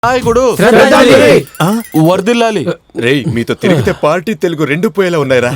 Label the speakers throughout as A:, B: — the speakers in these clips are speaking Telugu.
A: నాయకుడు వర్దిల్లాలి.
B: రేయ్, మీతో తిరిగితే పార్టీ తెలుగు రెండు పోయేలా ఉన్నాయిరా.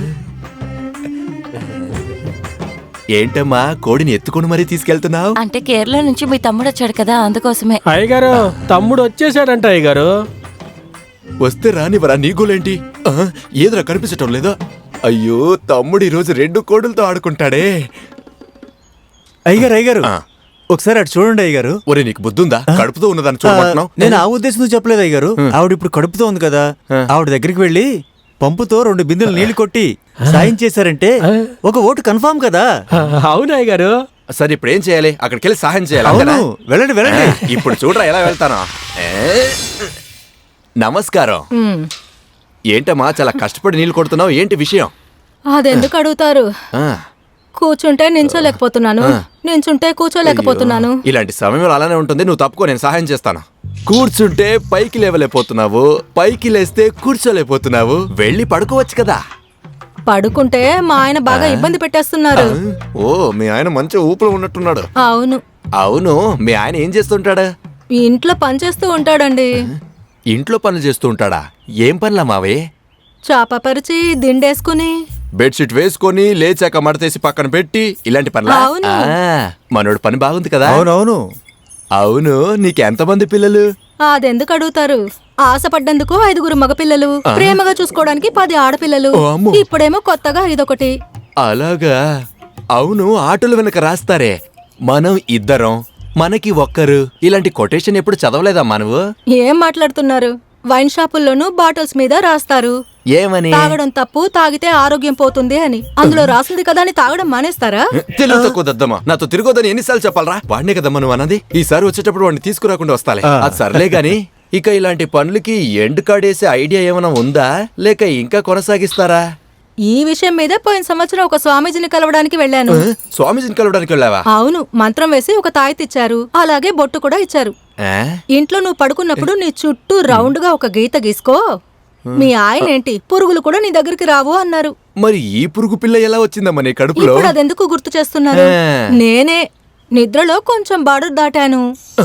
B: ఏంటమ్మా కోడిని ఎత్తుకుని మరీ తీసుకెళ్తున్నావు?
C: అంటే కేరళ నుంచి మీ తమ్ముడు వచ్చాడు కదా, అందుకోసమే.
D: అయ్యగారు తమ్ముడు వచ్చేసాడంట అయ్యగారు.
B: వస్తే రానివరా, నీ గోలేంటి? ఏదరా కనిపించటం లేదా? అయ్యో, తమ్ముడు ఈ రోజు 2 కోడులతో ఆడుకుంటాడే.
E: అయ్యగారు ఒకసారి అటు చూడండి అయ్యగారు.
B: ఒరే, నీకు బుద్ధుందా? కడుపుతో ఉన్నదాన్ని చూడమంటున్నావు?
E: నేను ఆ ఉద్దేశంతో చెప్పలేదు అయ్యగారు. ఆవిడ ఇప్పుడు కడుపుతో ఉంది కదా, ఆవిడ దగ్గరికి వెళ్ళి పంపుతో 2 బిందెలు నీళ్లు కొట్టి సాయం చేశారంటే ఒక ఓటు కన్ఫామ్ కదా.
D: అవును అయ్యగారు.
B: సరే, ఇప్పుడు ఏం చేయాలి? అక్కడికి వెళ్ళి సహాయం చేయాలి.
E: అవును, వెళ్ళండి వెళ్ళండి.
B: ఇప్పుడు చూడరా ఎలా వెళ్తాను. నమస్కారం. ఏంటమ్మా చాలా కష్టపడి నీళ్లు కొడుతున్నావు, ఏంటి విషయం?
F: అదెందుకు అడుగుతారు? కూర్చుంటే నించోలేకపోతున్నాను, నించుంటే కూర్చోలేకపోతున్నాను.
B: ఇలాంటి సమయంలో అలానే ఉంటుంది. నువ్వు తప్పుకో, నేను సహాయం చేస్తాను. కూర్చుంటే పైకి లేవలేకపోతున్నావు, పైకి లేస్తే కూర్చోలేకపోతున్నావు. వెళ్ళి పడుకోవచ్చు కదా.
F: పడుకుంటే మా ఆయన బాగా ఇబ్బంది పెట్టేస్తున్నారు.
B: ఓ, మీ ఆయన మంచి ఊపులో ఉన్నట్టున్నాడు.
F: అవును.
B: అవును, మీ ఆయన ఏం చేస్తుంటాడు?
F: ఇంట్లో పనిచేస్తూ ఉంటాడండి.
B: ఇంట్లో పనులు చేస్తూ ఉంటాడా? ఏం పనులా మావే?
F: చాప పరిచి దిండేసుకుని
B: బెడ్షీట్ వేసుకొని లేచాక మడతేసి పక్కన పెట్టి ఇలాంటి పనులా?
F: అవును.
B: మనోడు పని బాగుంది కదా.
E: అవునవును.
B: అవును, నీకెంతమంది పిల్లలు?
F: అదెందుకు అడుగుతారు? ఆశపడ్డందుకు 5 మగపిల్లలు, ప్రేమగా చూసుకోవడానికి 10 ఆడపిల్లలు.
B: ఓ అమ్మో.
F: ఇప్పుడేమో కొత్తగా ఇదొకటి.
B: అలాగా? అవును, ఆటోలు వెనక రాస్తారే మనం 2, మనకి 1. ఇలాంటి కొటేషన్ ఎప్పుడు చదవలేదమ్మా నువ్వు?
F: ఏం మాట్లాడుతున్నారు? వైన్ షాపుల్లోనూ బాటిల్స్ మీద రాస్తారు,
B: ఏమని?
F: తాగడం తప్పు, తాగితే ఆరోగ్యం పోతుంది అని. అందులో రాసింది కదా అని తాగడం మానేస్తారా?
B: తెలుగుతో కుదద్దమ్మా. నాతో తిరగొద్దని ఎన్నిసార్లు చెప్పాలరా? వాడినే కదమ్మా నువ్వు అన్నది. ఈసారి వచ్చేటప్పుడు వాడిని తీసుకురాకుండా వస్తాలే. అది సర్లే గాని, ఇక ఇలాంటి పనులకి ఎండ్ కాడేసే ఐడియా ఏమైనా ఉందా, లేక ఇంకా కొనసాగిస్తారా?
F: ఈ విషయం మీద పోయిన సంవత్సరం ఒక స్వామీజీని కలవడానికి వెళ్ళాను.
B: స్వామీజీని కలవడానికి వెళ్ళావా?
F: అవును, మంత్రం వేసి ఒక తాయెత్తిచ్చారు, అలాగే బొట్టు కూడా ఇచ్చారు. ఇంట్లో నువ్వు పడుకున్నప్పుడు నీ చుట్టూ రౌండ్ గా ఒక గీత గీసుకో. మీ ఆయన ఏంటి, పురుగులు కూడా నీ దగ్గరికి రావు అన్నారు.
B: మరి ఈ పురుగు పిల్ల ఎలా వచ్చిందమ్మా నీ కడుపులో?
F: ఇప్పుడు అదెందుకు గుర్తు చేస్తున్నారు? నేనే నిద్రలో కొంచెం బార్డర్ దాటాను.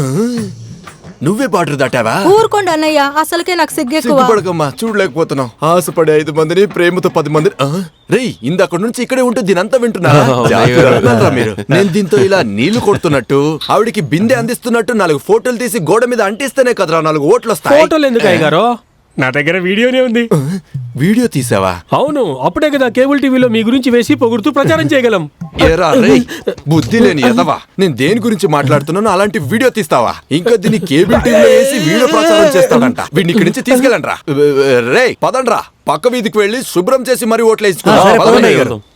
B: నువ్వే బార్డర్ దాటావా?
F: ఊరుకోండి అన్నయ్య, అసలుకే నాకు సిగ్గెక్కువ.
B: సిగ్గుపడకమ్మా, చూడలేకపోతున్నావు. ఆశపడే 5 మందిని, ప్రేమతో 10 మందిని. రేయ్, ఇందక్కడి నుంచి ఇక్కడే ఉంటూ దీనంతా వింటున్నా. మీరు నేను దీంతో ఇలా నీళ్లు కొడుతున్నట్టు, ఆవిడికి బిందె అందిస్తున్నట్టు 4 ఫోటోలు తీసి గోడ మీద అంటిస్తేనే కదరా 4 ఓట్లు వస్తాయి.
D: ఫోటోలు ఎందుకు అయ్యగారు? నా దగ్గర వీడియోనే ఉంది.
B: వీడియో తీసావా?
D: అవును, అప్పుడే కదా కేబుల్ టీవీలో మీ గురించి వేసి పొగుడుతూ ప్రచారం చేయగలం.
B: ఏరా రేయ్, బుద్ధి లేని ఎదవా, నేను దేని గురించి మాట్లాడుతున్నాను అలాంటి వీడియో తీస్తావా? ఇంకా దీన్ని కేబుల్ టీవీలో వేసి వీడియో ప్రచారం చేస్తాడంట. వీడిని ఇక్కడి నుంచి తీసుకెళ్ళండి రా. రేయ్ పదండ్రా, పక్క వీధికి వెళ్ళి శుభ్రం చేసి మరీ ఓట్లు వేసుకున్నా.